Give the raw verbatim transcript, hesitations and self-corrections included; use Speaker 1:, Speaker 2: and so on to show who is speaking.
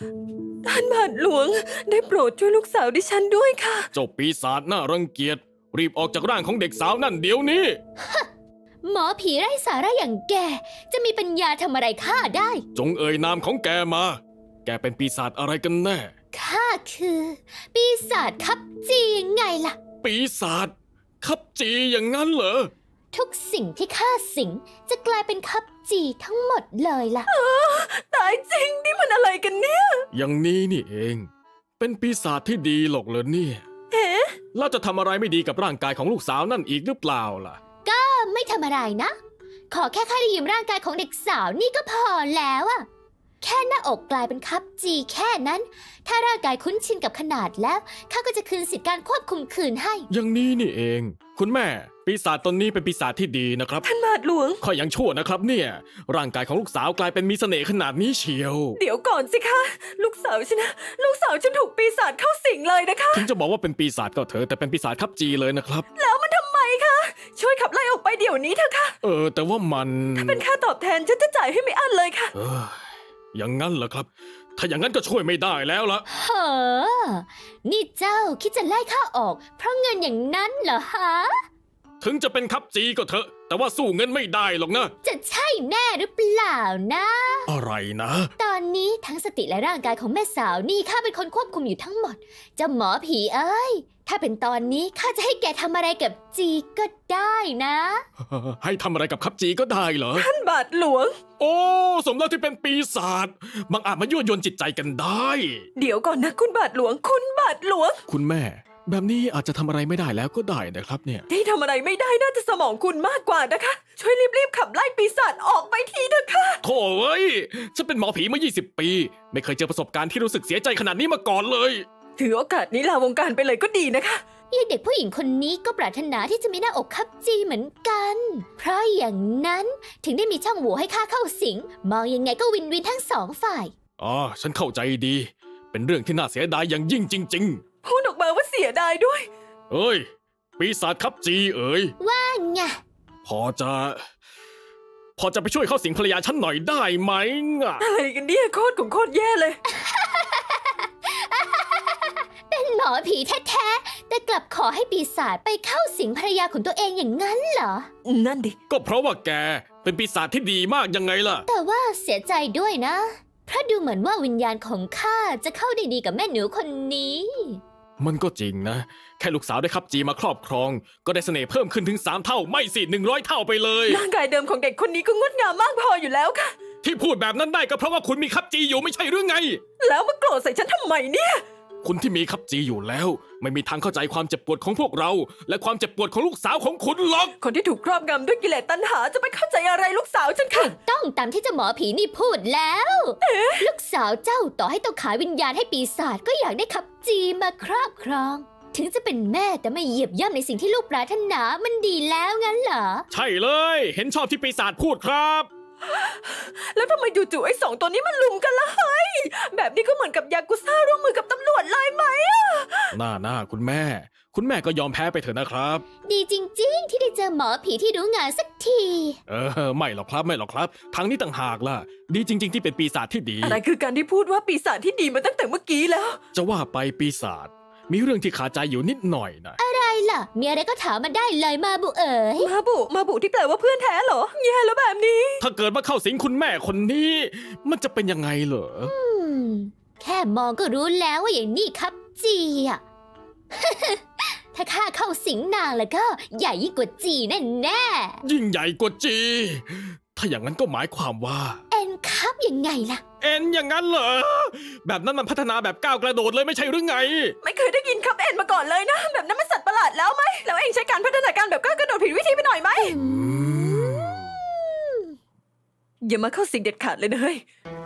Speaker 1: ท่านบาทหลวงได้โปรดช่วยลูกสาวดิฉันด้วยค่ะ
Speaker 2: เจ้าปีศาจน่ารังเกียจรีบออกจากร่างของเด็กสาวนั่นเดี๋ยวนี้
Speaker 3: หมอผีไร้สาระอย่างแกจะมีปัญญาทำอะไรข้าได้
Speaker 2: จงเอ่ยนามของแกมา แกเป็นปีศาจอะไรกันแน่
Speaker 3: ข้าคือ ปีศาจคับจียังไงล่ะ
Speaker 2: ปีศาจคับจีอย่างนั้นเหรอ
Speaker 3: ทุกสิ่งที่ข้าสิงจะกลายเป็นคับจีทั้งหมดเลยล่ะ
Speaker 1: ตายจริงนี่มันอะไรกันเนี่ย
Speaker 2: อย่างนี้นี่เองเป็นปีศาจที่ดีหรอกเหรอเนี่ย
Speaker 1: เอ๊ะ
Speaker 2: แล้วจะทำอะไรไม่ดีกับร่างกายของลูกสาวนั่นอีกหรือเปล่าล่ะ
Speaker 3: ก็ไม่ทำอะไรนะขอแค่ข้าได้ยืมร่างกายของเด็กสาวนี่ก็พอแล้วอะแค่หน้าอกกลายเป็นคับจีแค่นั้น ถ้าร่างกายคุ้นชินกับขนาดแล้วข้าก็จะคืนสิทธิการควบคุมคืนให้
Speaker 2: อย่างนี้นี่เองคุณแม่ปีศาจตนนี้เป็นปีศาจที่ดีนะครับ
Speaker 1: ท่านบาทหลวง
Speaker 2: ข้อยังชั่วนะครับเนี่ยร่างกายของลูกสาวกลายเป็นมีเสน่ห์ขนาดนี้เชียว
Speaker 1: เดี๋ยวก่อนสิคะลูกสาวฉันนะลูกสาวฉันถูกปีศาจเข้าสิงเลยนะคะ
Speaker 2: ถึงจะบอกว่าเป็นปีศาจก็เถอะแต่เป็นปีศาจคับจีเลยนะครับ
Speaker 1: แล้วมันทำไมคะช่วยขับไล่ออกไปเดี๋ยวนี้เถอะค่ะ
Speaker 2: เออแต่ว่ามัน
Speaker 1: ถ้าเป็นค่าตอบแทนฉันจะจ่ายให้ไม่อั้นเลยค่ะ
Speaker 2: เอออย่างนั้นเหรอครับถ้าอย่างนั้นก็ช่วยไม่ได้แล้วล่ะ
Speaker 3: เฮ้อนี่เจ้าคิดจะไล่ข้าออกเพราะเงินอย่างนั้นเหรอฮะ
Speaker 2: ถึงจะเป็นคับจีก็เถอะแต่ว่าสู้เงินไม่ได้หรอกนะ
Speaker 3: จะใช่แน่หรือเปล่านะ
Speaker 2: อะไรนะ
Speaker 3: ตอนนี้ทั้งสติและร่างกายของแม่สาวนี่ข้าเป็นคนควบคุมอยู่ทั้งหมดเจ้าหมอผีเอ้ยถ้าเป็นตอนนี้ข้าจะให้แกทำอะไรกับจีก็ได้นะ
Speaker 2: ให้ทำอะไรกับคับจีก็ได้เหรอ
Speaker 1: ท่านบาทหลวง
Speaker 2: โอ้สมแล้วที่เป็นปีศาจบางอาจมายั่วยวนจิตใจกันได้
Speaker 1: เดี๋ยวก่อนนะคุณบาทหลวงคุณบาทหลวง
Speaker 2: คุณแม่แบบนี้อาจจะทำอะไรไม่ได้แล้วก็ได้นะครับเนี่ย
Speaker 1: ที่ทำอะไรไม่ได้น่าจะสมองคุณมากกว่านะคะช่วยรีบๆขับไล่ปีศาจออกไปทีเถอะค่ะ
Speaker 2: โถ่เอ้ยฉันเป็นหมอผีมายี่สิบปีไม่เคยเจอประสบการณ์ที่รู้สึกเสียใจขนาดนี้มาก่อนเลย
Speaker 1: ถือโอกาสนี้ลาวงการไปเลยก็ดีนะคะ
Speaker 3: ยายเด็กผู้หญิงคนนี้ก็ปรารถนาที่จะมีหน้าอกคับจีเหมือนกันเพราะอย่างนั้นถึงได้มีช่องโหว่ให้ข้าเข้าสิงมองยังไงก็วินวินทั้งสองฝ่าย
Speaker 2: อ๋อฉันเข้าใจดีเป็นเรื่องที่น่าเสียดายอย่างยิ่งจริงๆ
Speaker 1: พูดออกมาว่าเสียดายด้วย
Speaker 2: เอ้ยปีศาจคับจีเอ๋ย
Speaker 3: ว่าไง
Speaker 2: พอจะพอจะไปช่วยเข้าสิงภรรยาฉันหน่อยได้ไหมอะ
Speaker 1: อะไรกันเนี่ยโคตรของโคตรแย่เลย
Speaker 3: เป็นหมอผีแท้ๆแต่กลับขอให้ปีศาจไปเข้าสิงภรรยาของตัวเองอย่างนั้นเหรอ
Speaker 1: นั่นดิ
Speaker 2: ก็เพราะว่าแกเป็นปีศาจที่ดีมากยังไงล่ะ
Speaker 3: แต่ว่าเสียใจด้วยนะเพราะดูเหมือนว่าวิญญาณของข้าจะเข้าได้ดีกับแม่หนูคนนี้
Speaker 2: มันก็จริงนะแค่ลูกสาวได้คับจีมาครอบครองก็ได้เสน่ห์เพิ่มขึ้นถึงสามเท่าไม่สิหนึ่งร้อยเท่าไปเลย
Speaker 1: ร่างกายเดิมของเด็กคนนี้ก็งดงามมากพออยู่แล้วค่ะ
Speaker 2: ที่พูดแบบนั้นได้ก็เพราะว่าคุณมีคับจีอยู่ไม่ใช่หรือไง
Speaker 1: แล้วมาโกรธใส่ฉันทำไมเนี่ย
Speaker 2: คุณที่มีคับจีอยู่แล้วไม่มีทางเข้าใจความเจ็บปวดของพวกเราและความเจ็บปวดของลูกสาวของคุณหรอก
Speaker 1: คนที่ถูกครอบงำด้วยกิเลสตัณหาจะไปเข้าใจอะไรลูกสาวฉันค่ะ
Speaker 3: ต้องตามที่เจ้าหมอผีนี่พูดแล้วลูกสาวเจ้าต่อให้ต้องขายวิญญาณให้ปีศาจก็อยากได้คับจีมาครอบครองถึงจะเป็นแม่แต่ไม่เหยียบย่ำในสิ่งที่ลูกปรารถนามันดีแล้วงั้นเหรอ
Speaker 2: ใช่เลยเห็นชอบที่ปีศาจพูดครับ
Speaker 1: แล้วทำไมจู่ๆไอ้สองตัวนี้มันลุมกันล่ะเฮ้ยแบบนี้ก็เหมือนกับยากุซ่าร่วมมือกับตำรวจเลยไหมอะ
Speaker 2: น่าน่าคุณแม่คุณแม่ก็ยอมแพ้ไปเถอะนะครับ
Speaker 3: ดีจริงๆที่ได้เจอหมอผีที่รู้งานสักที
Speaker 2: เออไม่หรอกครับไม่หรอกครับทางนี้ต่างหากล่ะดีจริงๆที่เป็นปีศาจที่ดี
Speaker 1: อะไรคือการที่พูดว่าปีศาจที่ดีมาตั้งแต่เมื่อกี้แล้ว
Speaker 2: จะว่าไปปีศาจมีเรื่องที่ขาใจอยู่นิดหน่อยนะ
Speaker 3: อะไรล่ะมีอะไรก็ถามมาได้เลยมาบุเอ๋ย
Speaker 1: มาบุมาบุที่แปลว่าเพื่อนแท้เหรอแย่แล้วแบบนี้
Speaker 2: ถ้าเกิดมาเข้าสิงคุณแม่คนนี้มันจะเป็นยังไงเหรอ
Speaker 3: อืมแค่มองก็รู้แล้วว่าอย่างนี้ครับจีอะ ถ้าข้าเข้าสิงนางแล้วก็ใหญ่ยิ่งกว่าจีแน่แน่
Speaker 2: ยิ่งใหญ่กว่าจีถ้าอย่างนั้นก็หมายความว่า
Speaker 3: เอ็นครับยังไงล่ะ
Speaker 2: เอ็นอย่างนั้นเหรอแบบนั้นมันพัฒนาแบบก้าวกระโดดเลยไม่ใช่หรือไง
Speaker 1: ไม่เคยได้ยินครับเอ็นมาก่อนเลยนะแบบนั้นมันสัตว์ประหลาดแล้วไหมแล้วเองใช้การพัฒนาการแบบก้าวกระโดดผิดวิธีไปหน่อยไหมอย่ามาเข้าสิงเด็ดขาดเลยนะเฮ้ย